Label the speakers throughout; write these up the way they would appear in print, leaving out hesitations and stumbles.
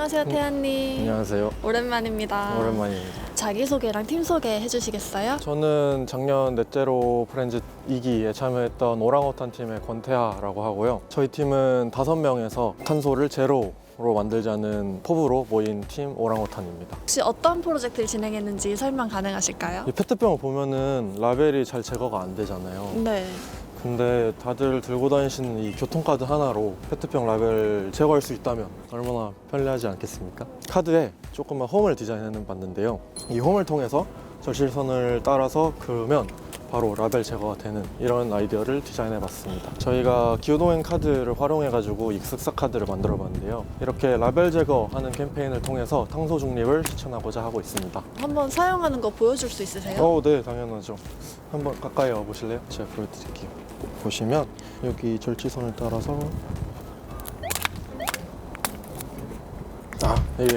Speaker 1: 안녕하세요, 태연님.
Speaker 2: 안녕하세요.
Speaker 1: 오랜만입니다.
Speaker 2: 오랜만입니다.
Speaker 1: 자기소개랑 팀 소개 해주시겠어요?
Speaker 2: 저는 작년 넷제로 프렌즈 2기에 참여했던 오랑우탄 팀의 권태하라고 하고요. 저희 팀은 5명에서 탄소를 제로로 만들자는 포부로 모인 팀 오랑우탄입니다.
Speaker 1: 혹시 어떤 프로젝트를 진행했는지 설명 가능하실까요?
Speaker 2: 이 페트병을 보면은 라벨이 잘 제거가 안 되잖아요.
Speaker 1: 네.
Speaker 2: 근데 다들 들고 다니시는 이 교통카드 하나로 페트병 라벨 제거할 수 있다면 얼마나 편리하지 않겠습니까? 카드에 조그만 홈을 디자인해 봤는데요. 이 홈을 통해서 절실선을 따라서 그으면 바로 라벨 제거가 되는 이런 아이디어를 디자인해 봤습니다. 저희가 기후동행 카드를 활용해 가지고 익숙사 카드를 만들어 봤는데요. 이렇게 라벨 제거하는 캠페인을 통해서 탄소 중립을 실천하고자 하고 있습니다.
Speaker 1: 한번 사용하는 거 보여줄 수 있으세요?
Speaker 2: 네, 당연하죠. 한번 가까이 와 보실래요? 제가 보여드릴게요. 보시면 여기 절지선을 따라서 이게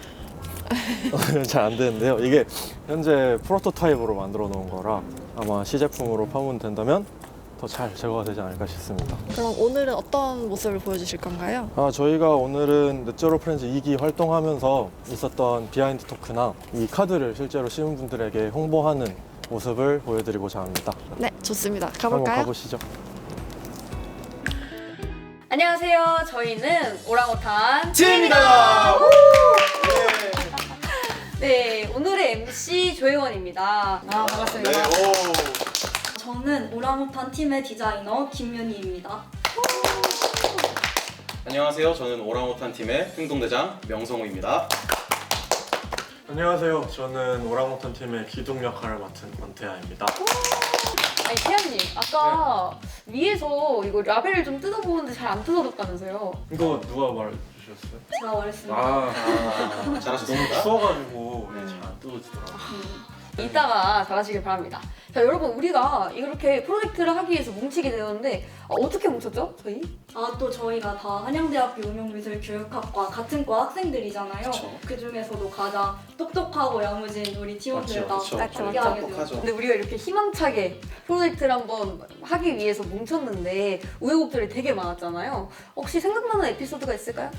Speaker 2: 잘 안 되는데요. 이게 현재 프로토타입으로 만들어 놓은 거라 아마 시제품으로 파문된다면 더 잘 제거가 되지 않을까 싶습니다.
Speaker 1: 그럼 오늘은 어떤 모습을 보여주실 건가요?
Speaker 2: 저희가 오늘은 넷제로 프렌즈 2기 활동하면서 있었던 비하인드 토크나 이 카드를 실제로 시민분들에게 홍보하는 모습을 보여드리고자 합니다.
Speaker 1: 네, 좋습니다.
Speaker 2: 한번
Speaker 1: 가볼까요?
Speaker 2: 가보시죠.
Speaker 3: 안녕하세요. 저희는 오랑우탄
Speaker 2: 팀입니다.
Speaker 3: 네, 오늘의 MC 조혜원입니다. 반갑습니다.
Speaker 4: 저는 오랑우탄 팀의 디자이너 김윤희입니다.
Speaker 5: 안녕하세요. 저는 오랑우탄 팀의 행동대장 명성우입니다.
Speaker 2: 안녕하세요. 저는 오랑우탄 팀의 기둥 역할을 맡은 권태하입니다.
Speaker 3: 아니, 태연님, 아까 위에서 이거 라벨을 좀 뜯어보는데 잘 안 뜯어졌다면서요?
Speaker 2: 이거 누가 말해주셨어요?
Speaker 4: 제가 말했습니다.
Speaker 5: 아, 잘하셨습니다.
Speaker 2: 추워가지고 잘 안 뜯어지더라고요.
Speaker 3: 이따가 잘하시길 바랍니다. 자, 여러분, 우리가 이렇게 프로젝트를 하기 위해서 뭉치게 되었는데 어떻게 뭉쳤죠, 저희?
Speaker 4: 또 저희가 다 한양대학교 응용미술교육학과 같은 과 학생들이잖아요.
Speaker 5: 그쵸.
Speaker 4: 그 중에서도 가장 똑똑하고 야무진 우리 팀원들 다
Speaker 5: 그쵸.
Speaker 3: 맞죠,
Speaker 4: 함께
Speaker 3: 맞죠.
Speaker 4: 하게
Speaker 5: 똑똑하죠.
Speaker 4: 되었죠.
Speaker 3: 근데 우리가 이렇게 희망차게 프로젝트를 한번 하기 위해서 뭉쳤는데 우여곡절이 되게 많았잖아요. 혹시 생각나는 에피소드가 있을까요?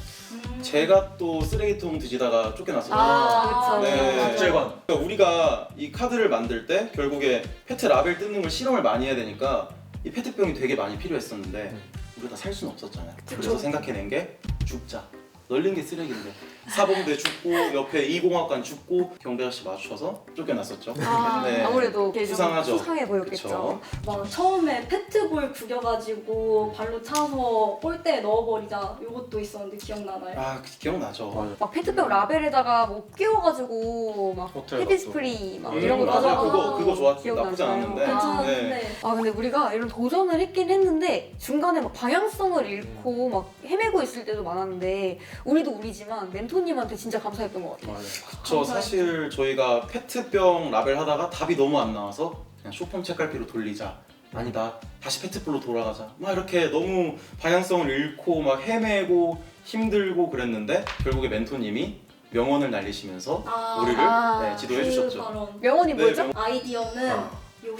Speaker 5: 제가 또 쓰레기통 뒤지다가 쫓겨났었어요.
Speaker 3: 그쵸.
Speaker 5: 네.
Speaker 2: 박재관.
Speaker 5: 그러니까 우리가 이 카드를 만들 때 결국에 페트 라벨 뜯는 걸 실험을 많이 해야 되니까 이 페트병이 되게 많이 필요했었는데 우리가 다 살 수는 없었잖아요. 그래서 생각해낸 게 죽자. 널린 게 쓰레기인데 사범대 죽고 옆에 이공학관 죽고 경대 아저씨 맞춰서 쫓겨났었죠. 네.
Speaker 3: 아무래도 좀
Speaker 5: 수상하죠.
Speaker 3: 수상해 보였겠죠.
Speaker 5: 그쵸.
Speaker 4: 막 처음에 페트볼 구겨가지고 발로 차서 골대에 넣어버리자 이것도 있었는데 기억나나요?
Speaker 5: 아, 기억나죠.
Speaker 2: 맞아요.
Speaker 3: 막 페트병 라벨에다가 뭐 끼워가지고 막
Speaker 2: 호텔
Speaker 3: 헤비스프리 막 이런 거
Speaker 5: 맞아요.
Speaker 3: 넣어서
Speaker 5: 그거 좋았
Speaker 3: 기억나죠.
Speaker 5: 나쁘지 않았는데.
Speaker 4: 괜찮았는데
Speaker 5: 네.
Speaker 3: 근데 우리가 이런 도전을 했긴 했는데 중간에 막 방향성을 잃고 막 헤매고 있을 때도 많았는데 우리도 우리지만 멘토님한테 진짜 감사했던 것 같아요.
Speaker 2: 맞아요.
Speaker 5: 저 사실 저희가 페트병 라벨 하다가 답이 너무 안 나와서 그냥 쇼폼 책갈피로 돌리자. 아니다. 다시 페트볼로 돌아가자. 막 이렇게 너무 방향성을 잃고 막 헤매고 힘들고 그랬는데 결국에 멘토님이 명언을 날리시면서 우리를 지도해 주셨죠.
Speaker 4: 바로
Speaker 3: 명언이
Speaker 5: 네,
Speaker 3: 뭐였죠?
Speaker 4: 아이디어는 요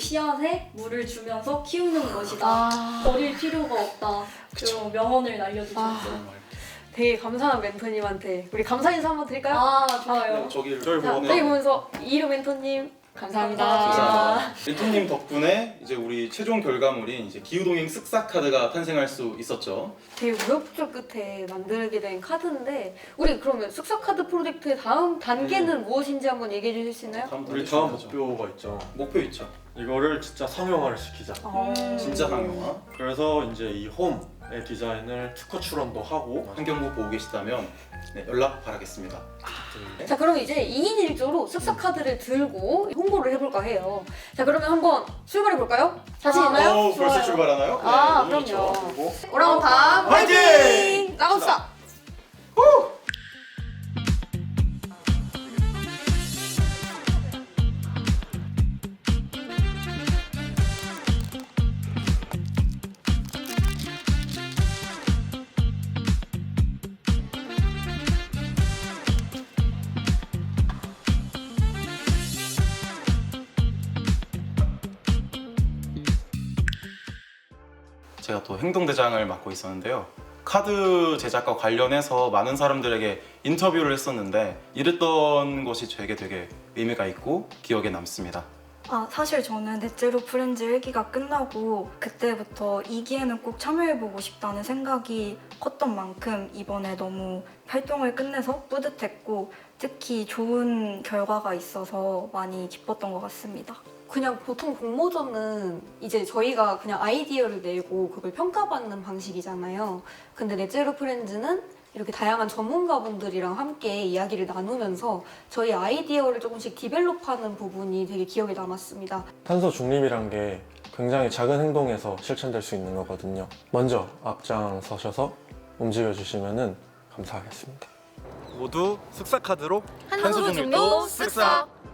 Speaker 4: 씨앗에 물을 주면서 키우는 것이다. 버릴 필요가 없다. 그런 명언을 날려주셨죠.
Speaker 5: 정말.
Speaker 3: 되게 감사한 멘토님한테 우리 감사 인사 한번 드릴까요?
Speaker 4: 좋아요.
Speaker 5: 네, 저기를
Speaker 2: 저희
Speaker 3: 자,
Speaker 2: 보고
Speaker 3: 저희 보면서 이루 멘토님 감사합니다.
Speaker 5: 감사합니다. 멘토님 덕분에 이제 우리 최종 결과물인 이제 기후동행 쓱싹 카드가 탄생할 수 있었죠.
Speaker 3: 되게 우여곡절 끝에 만들게 된 카드인데 우리 그러면 쓱싹 카드 프로젝트의 다음 단계는 무엇인지 한번 얘기해 주실 수 있나요?
Speaker 2: 우리 다음 목표가 있죠.
Speaker 5: 목표 있죠.
Speaker 2: 이거를 진짜 상용화를 시키자.
Speaker 5: 진짜 상용화.
Speaker 2: 그래서 이제 이 홈의 디자인을 특허 출원도 하고
Speaker 5: 환경부 보고 계시다면 네, 연락 바라겠습니다.
Speaker 3: 자, 그럼 이제 2인 1조로 쓱싹 카드를 들고 홍보를 해볼까 해요. 자, 그러면 한번 출발해 볼까요? 자신 있나요?
Speaker 5: 벌써 출발하나요? 네, 너무
Speaker 3: 그럼요.
Speaker 5: 좋죠.
Speaker 2: 그리고
Speaker 3: 오랑우탄 화이팅! 나갑시다!
Speaker 5: 제가 또 행동대장을 맡고 있었는데요. 카드 제작과 관련해서 많은 사람들에게 인터뷰를 했었는데 이랬던 것이 되게 의미가 있고 기억에 남습니다.
Speaker 6: 사실 저는 넷제로 프렌즈 1기가 끝나고 그때부터 2기에는 꼭 참여해보고 싶다는 생각이 컸던 만큼 이번에 너무 활동을 끝내서 뿌듯했고 특히 좋은 결과가 있어서 많이 기뻤던 것 같습니다.
Speaker 3: 그냥 보통 공모전은 이제 저희가 그냥 아이디어를 내고 그걸 평가받는 방식이잖아요. 근데 넷제로 프렌즈는 이렇게 다양한 전문가분들이랑 함께 이야기를 나누면서 저희 아이디어를 조금씩 디벨롭하는 부분이 되게 기억에 남았습니다.
Speaker 2: 탄소 중립이란 게 굉장히 작은 행동에서 실천될 수 있는 거거든요. 먼저 앞장서셔서 움직여주시면 감사하겠습니다. 모두 쓱싹 카드로
Speaker 1: 탄소 중립도 쓱싹!